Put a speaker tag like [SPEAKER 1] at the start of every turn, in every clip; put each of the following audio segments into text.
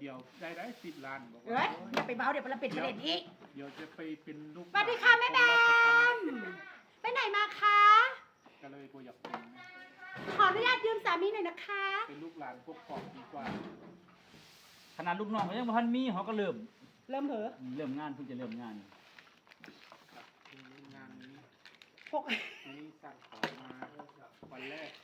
[SPEAKER 1] เดี๋ยวได้10 ล้านบอกว่า
[SPEAKER 2] เอ้ยอย่าไปเบาเดี๋ยวเราปิดประเด็นอีก
[SPEAKER 1] เดี๋ยวจะไปเป็นลูก
[SPEAKER 2] สวัสดีค่ะแม่แบมไปไหนมาคะ
[SPEAKER 1] ก็เลยกูอยากเป็น
[SPEAKER 2] ขออนุญาตยืมสามีหน่อยนะคะ
[SPEAKER 1] เป็นลูกหลานพวกปอบดีกว่า
[SPEAKER 3] ขนาดลูกน้องเขายังบ่ทันมีเขาก็เริ่ม
[SPEAKER 2] เริ่มเหอะ
[SPEAKER 3] เริ่มงานเพิ่งจะเริ่มงาน
[SPEAKER 1] ครับงานนี้
[SPEAKER 2] พก
[SPEAKER 1] นี่สั่งของมาวันแรก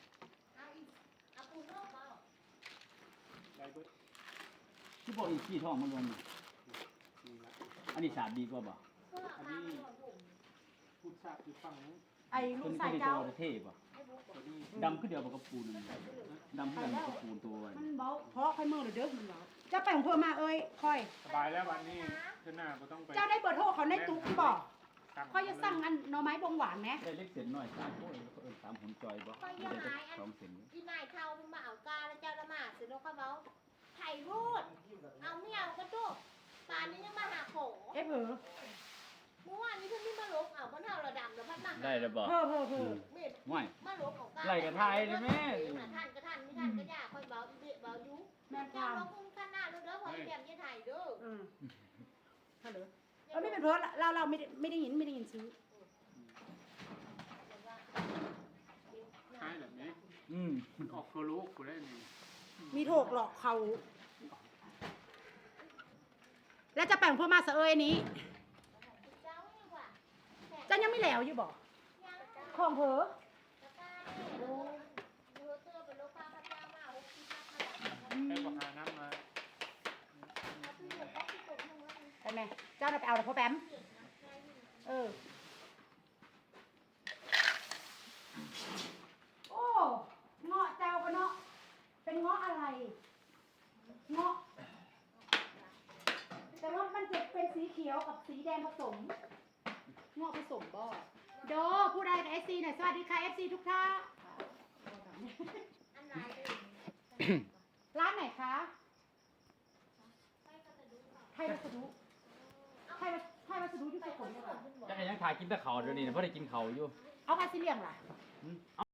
[SPEAKER 1] ได้เบิด
[SPEAKER 3] ที่บอกอีกขี้ท้องมันลงนี่
[SPEAKER 1] นี่ละ
[SPEAKER 3] อันนี้สาดดีกว่าบ่
[SPEAKER 1] อันนี้พูดทราบอยู่ฝั่งนู้น
[SPEAKER 2] ไอ้ลู
[SPEAKER 3] ตัว
[SPEAKER 2] ก
[SPEAKER 3] นี้
[SPEAKER 2] สาย
[SPEAKER 3] ตัว
[SPEAKER 2] เจ้า
[SPEAKER 3] เท่ป่ะ
[SPEAKER 1] ตัวนี้
[SPEAKER 3] ดำขึ้นเดียวกับกระปูนนั่นดำขึ้นเดียวกับกระปูนตัวไว้
[SPEAKER 2] มันเบาเพราะค่อยมือเด้อมันเบาเจ้าไปของเพื่อมาเอ้ยค่อย
[SPEAKER 1] สบายแล้ววันนี้เจ้าหน้าก็ต้องไป
[SPEAKER 2] เจ้าได้เบอร์โทรเขาในตุ๊กที่บอก
[SPEAKER 1] สั่ง
[SPEAKER 2] ค่อยจะสั่งอันหน่อไม้บงหวานไหม
[SPEAKER 3] ได้เล็กเส้นน้อย3โอ้ยเขาเอิ้น3หุ่นจอยบ่ได้จัก2เส้น
[SPEAKER 4] ที่นายเขามาเอากาแล้วเจ้าละมาเสร็จแล้วเขาบอกไถ่รูดเอาไม่เอาก็จุกป่านนี้ยังมาหาโข
[SPEAKER 2] เอฟเหอะ
[SPEAKER 4] เมื่อวานนี้เพิ่งมาลบเอาเพราะเราดำแล้วพัดมา
[SPEAKER 3] ได้แล้วบ่
[SPEAKER 2] เพ้อเพ้อเพ้อ
[SPEAKER 4] เม็ด
[SPEAKER 3] ไม่
[SPEAKER 4] มาลบของกา
[SPEAKER 3] ไล่กระทายเลยแม่
[SPEAKER 4] ท่านก็ท่านไม่ท่านก็ยากคอยเบาเบายุ
[SPEAKER 2] แม่ค
[SPEAKER 4] เจ้าว
[SPEAKER 2] าม
[SPEAKER 4] ลงคุ้มข้างหน้าเด้อพอแก้มยี่ไถ่เด้อ
[SPEAKER 2] ฮัลโหลไม่เป็นเพ้อเราไม่ได้ยินซื้อ
[SPEAKER 1] ใช่แบบนี้
[SPEAKER 3] อืม
[SPEAKER 1] มันออกตัวลูกกูได้นี่
[SPEAKER 2] มีโถกหลอกเขาแล้วจะแปลงเพื่อมาเสเอยอันนี้
[SPEAKER 4] เจ้าเนี่ยว่ะ
[SPEAKER 2] เจ้ายังไม่แล้วอยู่บอก
[SPEAKER 4] ยัง
[SPEAKER 2] ของเผลอ
[SPEAKER 4] ตะกาเนี่ยดูเตื้อเป็นลูกค้าพระเจ้ามาเอาที่นักขนาด
[SPEAKER 1] ให้บอกหาน้ำมา
[SPEAKER 4] เอาที่เหลือก็ที่ตกลงแล้ว
[SPEAKER 2] ไปไหมเจ้าน่ะไปเอาแต่พ่อแปมโอ้เงาะเจ้าก็เนาะเป็นเงาะอะไรเงาะแต่ว่ามันจะเป็นสีเขียวกับสีแดงผสมเงาะผสมบ่โดผู้ใดกับ FC หน่อยสวัสดีค่ะ FC ทุกท่าน
[SPEAKER 4] อันไหน
[SPEAKER 2] ร้านไหนคะไทยวัสดุไทยวัสดุอยู่สุขุมวิท
[SPEAKER 3] จักยังถ่ายกินแต่ข้าวเดี๋ยวนี้เพราะได้กินข้าวอยู่
[SPEAKER 2] เอามาสิเลี่ยงล่ะ